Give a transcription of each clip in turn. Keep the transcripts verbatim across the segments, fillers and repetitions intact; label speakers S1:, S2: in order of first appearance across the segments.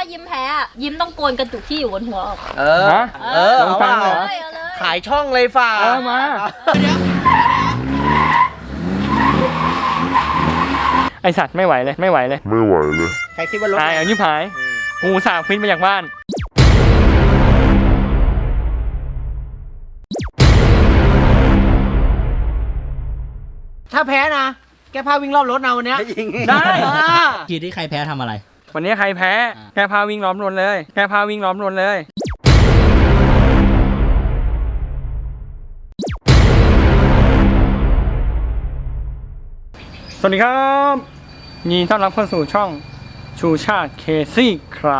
S1: ยิ้มแพ้ยิ้มต้องโกนกระจุกที่อยู่บนหัวออก
S2: เออเออเอาว่าขายช่องเลยฝ่า
S3: เออมาไอสัตว์ไม่ไหวเลยไม่ไหวเลย
S4: ไม่ไหวเลย
S2: ใครคิดว่ารถ
S3: ตายเอายิบหายหูสาวฟินมาจากบ้าน
S2: ถ้าแพ้นะแกพาวิ่งรอบรถนะวันนี้
S3: ได้
S5: ทีที่ใครแพ้ทำอะไร
S3: วันนี้ใครแพ้แกพาวิ่งล้อมรถเลยแกพาวิ่งล้อมรถเลยสวัสดีครับยินดีต้อนรับเข้าสู่ช่องชูชาติเคซี่ครา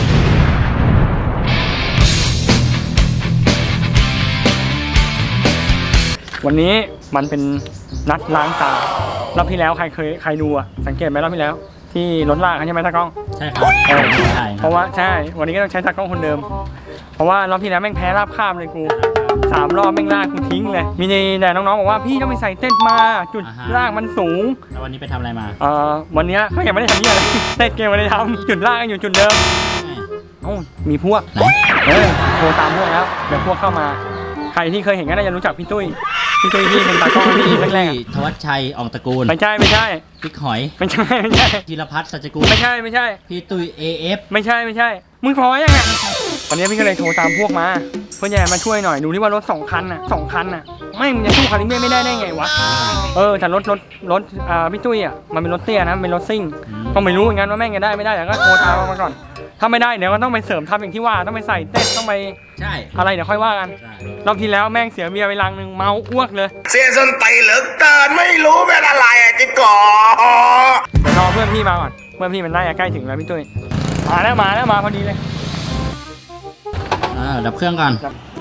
S3: วันนี้มันเป็นนัดล้างตารอบที่แล้วใครเคยใครดูอะสังเกตไหมรอบที่แล้วที่รถลากใช่ไหมตากล้อง
S5: ใช่ครับใช่
S3: เพราะว่าใช่วันนี้ก็ต้องใช้ตากล้องคนเดิมเพราะว่ารอบที่แล้วแม่งแพ้ราบคาบเลยกูสามรอบแม่งลากกูทิ้งเลยมีแต่น้องๆบอกว่าพี่ต้องไปใส่เต้นมาจุดลากมันสูง
S5: แล้ววันนี้ไปทำอะไรมา
S3: เอ่อวันนี้เขายังไม่ได้ทำนี่อะไรเต้นเกมไม่ได้ทำจุดลากอยู่จุดเดิมโอ้มีพวกเออโทรตามพวกแล้วเดี๋ยวพวกเข้ามาใครที่เคยเห็นก็น่าจะรู้จักพี่ตุ้ยพี่ตุ้ยที่เป็นตากล้องที่แรก
S5: ๆธวัชชัยอ่องตระกูล
S3: ไม่ใช่ไม่ใช่
S5: พี่หอย
S3: ไม่ใช่ไม่ใช่
S5: ธีรพัฒน์สัจกุล
S3: ไม่ใช่ไม่ใช่
S5: พี่ตุ้ย เอ เอฟ
S3: ไม่ใช่ไม่ใช่มึงพอยังไงวันนี้พี่ก็เลยโทรตามพวกมาเพื่อนใหญ่มาช่วยหน่อยดูที่ว่ารถสองคันน่ะสองคันน่ะไม่มึงจะสู้คันนี้ไม่ได้ได้ไงวะเออแต่รถรถรถอ่าพี่ตุ้ยอ่ะมันเป็นรถเตี้ยนะเป็นรถซิ่งก็ไม่รู้เหมือนกันว่าแม่งจะได้ไม่ได้แต่ก็โทรตามมาก่อนถ้าไม่ได้เดี๋ยวก็ต้องไปเสริมทัพอย่างที่ว่าต้องไปใส่เต้นต้องไป
S5: ใช่
S3: อะไรเดี๋ยวค่อยว่ากันรอบที่แล้วแม่งเสียเบียร์ไปลังหนึ่งเมาอ้วกเลย
S4: เสียส้นไตเหลือเกินไม่รู้เป็นอะไรอ่ะจิ๊กก่อ
S3: เดี๋ยวรอเพื่อนพี่มาก่อนเพื่อนพี่มันน่าจะใกล้ถึงแล้วพี่ตุ้ยมาแล้วมาแล้วมาพอดีเลย
S5: อ่าดับเครื่องก่อน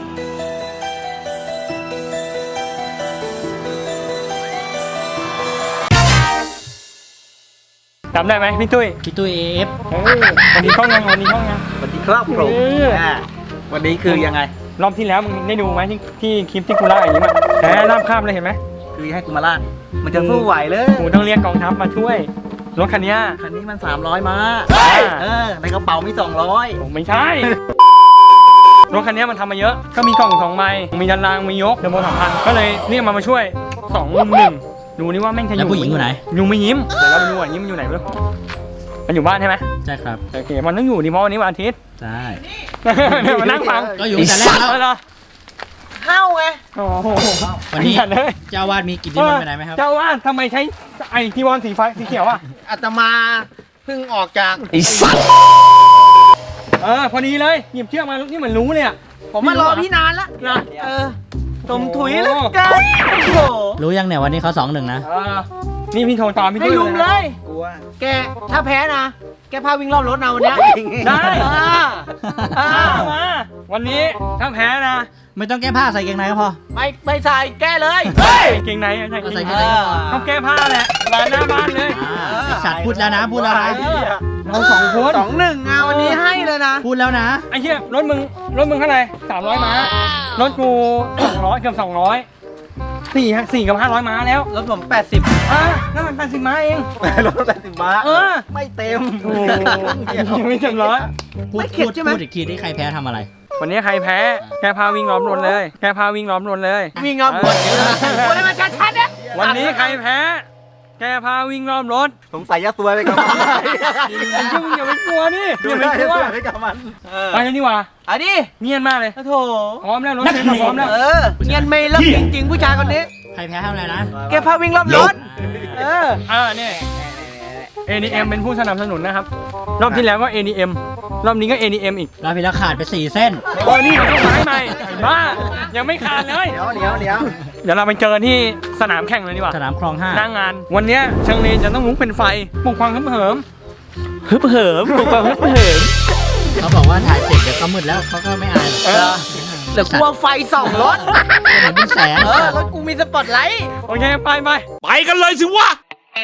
S3: จำได้ไหมพี่ตุ้ย
S5: พี่ตุ้ย เอ เอฟ
S3: เออวันนี้ช่องยังวันนี้ช่องยัง
S2: วันนี้ครับผมวันนี้คือยังไง
S3: รอบที่แล้วมึงได้ดูไหมที่ที่คลิปที่กูเล่าอย่างนี้มั้ยแพ้ราบคาบเลยเห็นไหม
S2: คือให้กูมาลากมันจะสู้ไหวเลย
S3: กูต้องเรียกกองทัพมาช่วยรถคันนี้
S2: คันนี้มันสามร้อยมาเออในกระเป๋ามีสองร้อย
S3: ไม่ใช่รถคันนี้มันทำมาเยอะก็มีกล่องสองใบมียันรางมียกเทอร์โบสองพันก็เลยเรียกมามาช่วยสองหนึ่งดูนี่ว่าแม่งจะอยู่
S5: แล้วผู้หญิงอยู่ไหน
S3: อยู่ไม่ยิ้มเดี๋ยวเราไปดูว่ายิ้มอยู่ไหนไม่รู้มันอยู่บ้านใช่ไหม
S5: ใช่ครับ
S3: โอเคมันต้องอยู่ดิเพราะวันนี้วันอาทิตย์
S5: ใช่
S3: เดี๋ยวมานั่งฟัง
S5: ก็อยู่แต่แรกแล้ว
S2: เข้าไง
S3: โอ้โห
S5: วันนี้เจ้าวาดมีกิจนิมนต์ไปไหนไหมครับ
S3: เจ้าวาดทำไมใช้ไอ้ทีวอนสีฟ้าสีเขียวอ่ะ
S2: อาตมาเพิ่งออกจาก
S5: ไอ้สัตว์
S3: เออพอดีเลยหยิบเชือกมานี่เหมือนรู้เลยอ่ะ
S2: ผมมารอพี่นานแล้วนะเออตมถุยแล้วกัน
S5: รู้ยังเนี่ยวันนี้เขาสองหนึ่งนะ
S3: นี่พี่โทรตามพี่
S2: ให้ลุมเลยแกถ้าแพ้นะแกพาวิ่งรอบรถนะวันนี้
S3: ได้มาวันนี้ถ้าแพ้นะ
S5: ไม่ต้องแก้ผ้าใส่เกงในก็พอ
S2: ไม่ไม่ใส่แก้เลย
S3: เกงในใส่
S5: เกงใน
S3: ต้องแก้ผ้าแหละร้านหน้าบ้านเลย
S5: สัตว์พูดแล้วนะพูดแล้วนะ
S3: เราสองคน
S2: สองหนึ่งอ่ะวันนี้ให้เลยนะ
S5: พูดแล้วนะ
S3: ไอ้เหี้ยรถมึงรถมึงเท่าไหร่สามร้อยม้ารถกูสองร้อยเกือบสองร้อยสี่สี่กับห้าร้อยม้าแล้ว
S2: รถผมแปดสิบ
S3: อ่ะนั่นมันแปดสิบม้าเอง
S2: รถแปดสิบม้า
S3: เออ
S2: ไม่เต็ม
S3: โอ้ไม่เต็มร้อย
S5: พูดพูดพูดอีกทีที่ใครแพ้ทำอะไร
S3: วันนี้ใครแพ้แกพาวิ่งล้อมรถเลยแกพาวิ่งล้อมรถเลย
S2: วิ่งล้อมรถวันนี้มันชัดๆนะ
S3: วันนี้ใครแพ้แกพาวิ่งล้อมรถ
S2: สงสัยยัดตัวไปกับมัน
S3: ยุ่งอย่าไปกลัวนี่อย่าไปกลัวไปกับมันไปแล้วนี่วะ
S2: อันนี้
S3: เงียบมากเลย
S2: โถ
S3: พร้อมแล้วรถเสร็จพร้อมแล้ว
S2: เออเงียบไม่รับจริงๆผู้ชายคนนี้
S5: ใครแพ้ทำอะไรนะ
S2: แกพาวิ่งล้อมรถ
S3: เออเออเนี่ย เอ ดี เอ็ม เป็นผู้สนับสนุนนะครับรอบที่แล้วก็ เอ ดี เอ็ม รอบนี้ก็ เอ ดี เอ็ม อีก
S5: รอบที่แล้วขาดไปสี่เส้น
S3: โอ้นี่เขาต้องไม้ใหม่บ้ายังไม่ขาดเลย
S2: เดี๋ยวเดี๋ยวเดี๋ยว
S3: เดี๋ยวเราไปเจอที่สนามแข่งเลยดีกว่า
S5: สนามคลองห้า
S3: หน้างานวันนี้ช่างเลนจะต้องลุกเป็นไฟปลุกความฮึบเหิมฮึบเหิมปลุกความฮึบเหิม
S5: เขาบอกว่าถ่ายเสร็จเดี๋ยวก็มืดแล้วเขาก็ไม่อาย
S2: เออเดี๋ยวกลัวไฟส่องรถ
S5: เห็นเป็นแสง
S2: เออรถกูมีสปอตไลท์
S3: โอเคไปไป
S4: ไปกันเลยสิวะ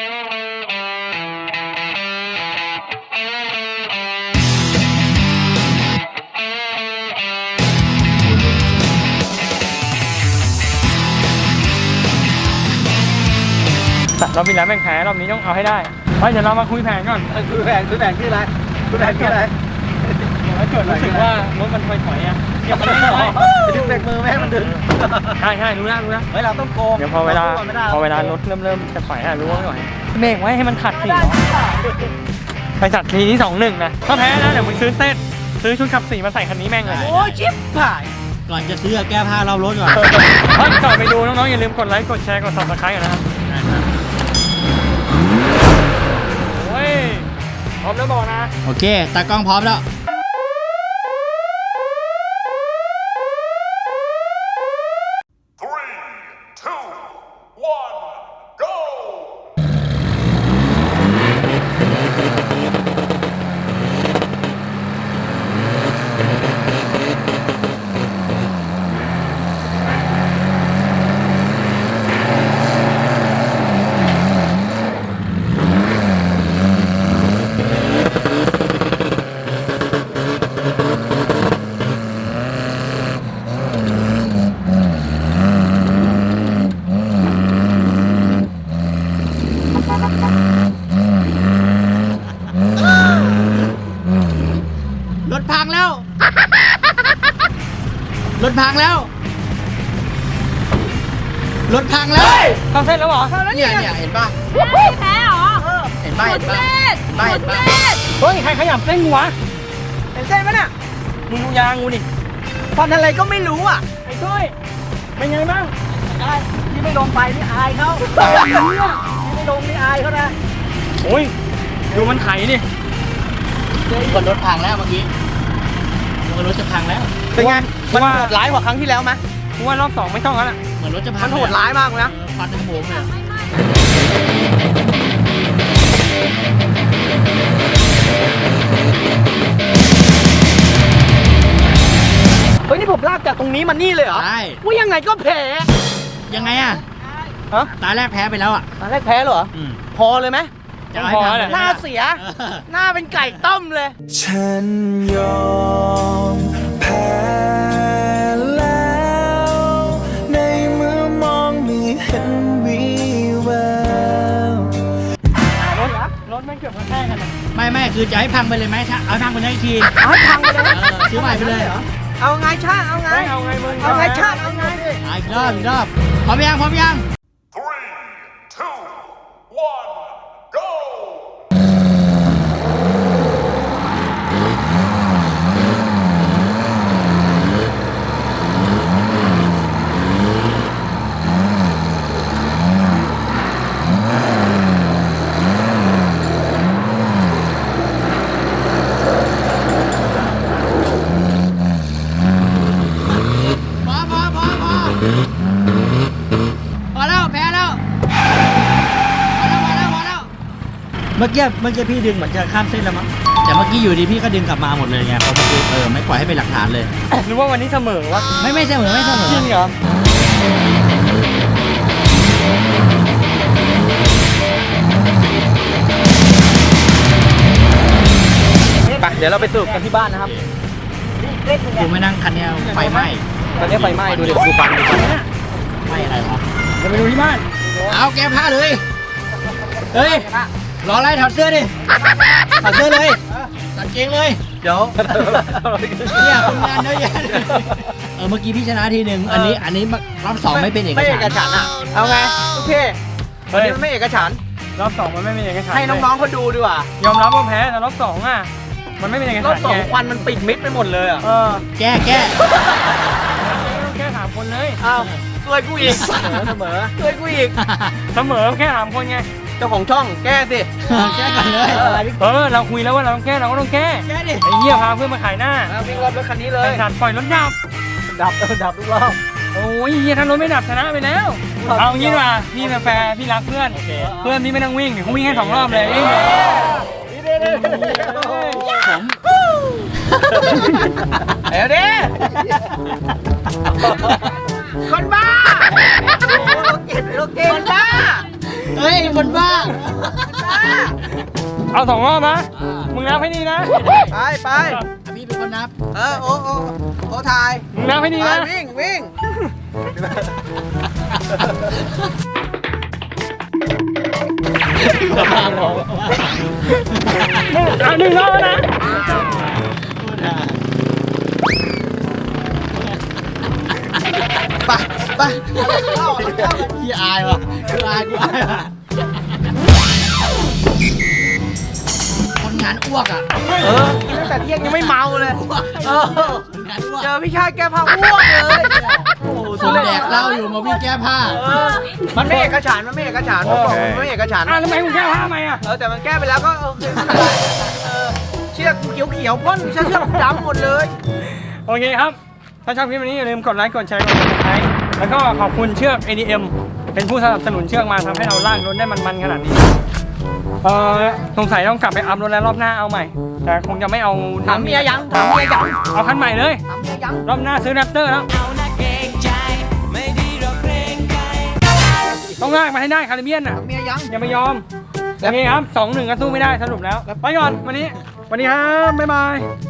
S3: รอบที่แล้วแม่งแพ้รอบนี้ต้องเอาให้ได้เฮ้ยเดี๋ยวเรามาคุยแผนก่อน
S2: คุยแผนคุยแผนคืออะไรคุยแผนคืออะไร
S3: ถ้าเกิดรู้สึกว่ารถมันถอยถอยๆอ่ะอย่ามาเล่นหน่อย
S2: ดึงเบรกมือไม่ให้มันดึง
S3: ใช่ใช่รู้นะรู้นะ
S2: เฮ้ยเราต้องโกง
S3: เดี๋ยวพอเวลา
S2: ไม่ได้
S3: พอเวลารถเริ่มเริ่มจะถอยอ่ะรู้ว่าไม่ไหวเบรกไว้ให้มันขัดสิไปจัดทีนี้สองหนึ่งนะถ้าแพ้นะเดี๋ยวมึงซื้อเต้นซื้อชุดขับสีมาใส่คันนี้แม่งเลย
S2: โอ้ยชิบหาย
S5: ก่อนจะซื้อแก้ผ้ารอบรถก่อน
S3: เฮ้ยก่อนไปดูน้องๆอย่าลืมกดไลค์กดแชร์กด ซับสไครบ์ กันนะครับโอ้ยพร้อมแล้วบอกนะ
S5: โอเคตากล้องพร้อมแล้ว
S4: three two one go
S5: รถพังแล้ว รถพังแล้ว รถพังแล้ว
S3: เข้าเส้นแล้วเหรอ
S5: เนี่ยเนี่ยเห็นป่ะ
S1: ไม่แพ้เหรอ
S5: เห็นป่ะ
S1: หม
S5: เห็
S1: ด
S5: นป่ะ
S1: เล่น
S5: ไม่
S1: หมด
S5: ไม่
S1: เล่น
S3: เฮ้ยใครขยับเส้นกูวะ
S2: เห็นเส้นไหมเนี่ย
S3: มึงดูยางกูดิ
S2: ฟันอะไรก็ไม่รู้อ่ะ
S3: ไอ้ตุ้ยเป็นไงบ้าง
S2: ได้ที่ไม่ลงไปนี่อายเขาที่ไม่ลงนี่อายเขานะ
S3: โอ้ยดูมันไถดิ
S5: คนรถพังแล้วเมื่อกี้คนรถจะพังแล้ว
S2: เป็นไง
S3: เพราะว่า
S2: โหดร้ายกว่าครั้งที่แล้วไหม
S3: กูว่ารอบสองไม่ต้องแล้วล่ะ
S5: เหมือนรถจะพั
S2: มั
S5: ง
S2: นโหดร้ายมากเลยนะ
S5: เออควันในหมูเลย
S1: ไม่ไม่
S2: เฮ้ยนี่ผมลากจากตรงนี้มานี่เลยเหรอ
S5: ใช่
S2: ว่ายังไงก็แพ้
S5: ยังไงอ่ะ
S2: ฮะ
S5: ตาแรกแพ้ไปแล้วอ่ะ
S2: ตอนแรกแพ้เหรอ
S5: อืม
S2: พอเลยไหม
S5: จะเอาให้พังเลย
S2: หน้าเสีย หน้าเป็นไก่ต้มเลย
S6: ฉันยอมแพ้แล้วในเมื่อมองไม่เห็นวีแวว
S3: รถรถไม่งเกือบกระแทกกันนะ
S5: ไม่ไม่คือจะให้พังไปเลยไหมถ้าเอาให้พังไปได้อีกที
S2: เอาให้พังไปเลย
S5: เออซื้อใหม่ไปเลย
S2: เอาไงชาติเอาไง
S3: ไม่เอาไงมึง
S2: เอาไงชาติเอาไง
S5: อ่ะอีกรอบอีกรอบพร้อมยังพร้อมยัง
S4: three two one go
S5: พอพอพอพอพอแล้วแพ้แล้วพอแล้วพอแล้วพอแล้วเมื่อกี้เมื่อกี้พี่ดึงเหมือนจะข้ามเส้นแล้วมั้งแต่เมื่อกี้อยู่ดีพี่ก็ดึงกลับมาหมดเลยไงเพราะเมื่อกี้เออไม่ปล่อยให้เป็นหลักฐานเลย
S3: หรือว่าวันนี้เสมอวะ
S5: ไม่ไม่เสมอไม่เสมอ
S3: จริงเหรอ
S2: ไปเดี๋ยวเราไปสรุปกันที่บ้านนะครับ
S5: กูไม่นั่งคันเนี้ยไฟไหม้
S2: ตอนนี้ไฟไหม้ดูดิดูฟันดูฟัน
S5: ไหม้อะไรวะ
S3: เดี๋ยวไปดูที่บ้าน
S5: เอาแก้ผ้าเลยเฮ้ยรออะไรถอดเสื้อดิถอดเสื้อเลยถอดเกงเลย
S2: เดี๋ยว
S5: เนี่ยคนงานเยอะแยะเลยเออเมื่อกี้พี่ชนะทีหนึ่งอันนี้อันนี้รอบสองไม่เป็นเอก
S2: ไม่เอก
S5: ฉั
S2: ฉั
S5: น
S2: น
S5: ท์
S2: ท์อ่ะ เอาไงโอเควันนี้มันไม่เอกฉันท์
S3: รอบสองมันไม่เป็นเอกฉันท์
S2: ให้น้องๆเขาดูดีกว่า
S3: ยอมรับว่าแพ้แต่รอบสองอ่ะมันไม่เป็นเอก
S2: ร
S3: ฉั
S2: อบ
S3: นท์
S2: สอง
S3: ไง
S2: ควันมันปิดมิดไปหมดเลยอ่ะ
S3: เออ
S5: แก้แก้
S3: แค่สามคนเลย
S2: อ้าวช่วยกูอีกเสมอช่วยกูอีก
S3: เสมอแค่สามคนไง
S2: เจ้าของช่องแก้สิ
S5: แก้กันเลย
S3: เออเราคุยแล้วว่าเราต้องแก้เราก็ต้องแก้
S5: แก้ดิ
S3: ไอ้เหี้ยพาเพื่อนมาขายหน้า
S2: เอาวิ่งรอบรถคันนี้เล
S3: ไอ้
S2: ย
S3: สัตว์ปล่อยรถดับ
S2: ดับเออดับทุกรอบ
S3: โอ้ยเหี้ยถ้ารถไม่ดับชนะไปแล้ว เอางี้ดีกว่าพี่เป็นแฟร์พี่รักเพื่อน เพื่อนพี่ไม่ต้องวิ่งเดี๋ยวเขาวิ่งให้สองรอบเลยวิ่ง
S5: ผม
S2: เดี๋ยวดิคนบ้าโลเก็ตโลเก็ตคนบ้า
S5: เฮ้ยคนบ้า
S3: เอาสองรอบนะมึงนับให้ดีนะ
S2: ไปไป
S5: พี่เป็นคนนับ
S2: เออโอ้โอ้โอ้ถ่าย
S3: มึงนับให้ดี
S2: ไป
S3: นะ
S2: วิ่งวิ่ง
S3: อ่ะหนึ่งรอบแล้วนะ
S5: ไปพี่อายว่ะคืออายกูอายว่ะคนงานอ้วกอ่ะ
S2: เออกินตั้งแต่เที่ยงยังไม่เมาเลย เออ
S5: คนงานอ้วก
S2: เจอพี่ชายแก้ผ้าอ้วกเลย โอ้โห
S5: คนแดกเหล้าอยู่มาวิ่งแก้ผ้า
S2: เออมันไม่เอกฉันท์มันไม่เอกฉันท์ผมบอกมันไม่เอกฉันท์
S3: อ่ะทำไมมึงแก้ผ้าทำไมอ่ะ
S2: เออแต่มันแก้ไปแล้วก็โอเคไม่เป็นไรเออเชือกเขียวเขียวๆพ่นเชือกเชือกดำหมดเลย
S3: โอเคครับ ถ้าชอบคลิปนี้อย่าลืมกดไลค์กดแชร์กด subscribe แล้วก็ขอบคุณเชือก เอ ดี เอ็ม เป็นผู้สนับสนุนเชือกมาทำให้เราลากรถได้มันๆขนาดนี้เออสงสัยต้องกลับไปอัพรถแล้วรอบหน้าเอาใหม่ แต่คงจะไม่เอา
S2: ถามเมียยังถามเมียยัง
S3: เอาคันใหม่เลย
S2: ถามเมียยัง
S3: รอบหน้าซื้อแรปเตอร์แล้วต้องลากมาให้ได้คาริเบียนอ่ะ
S2: ถามเมียยัง
S3: อย่าไปยอมโอเคครับสองหนึ่งก็สู้ไม่ได้สรุปแล้ว ไปก่อนวันนี้ สวัสดีครับ บ๊ายบาย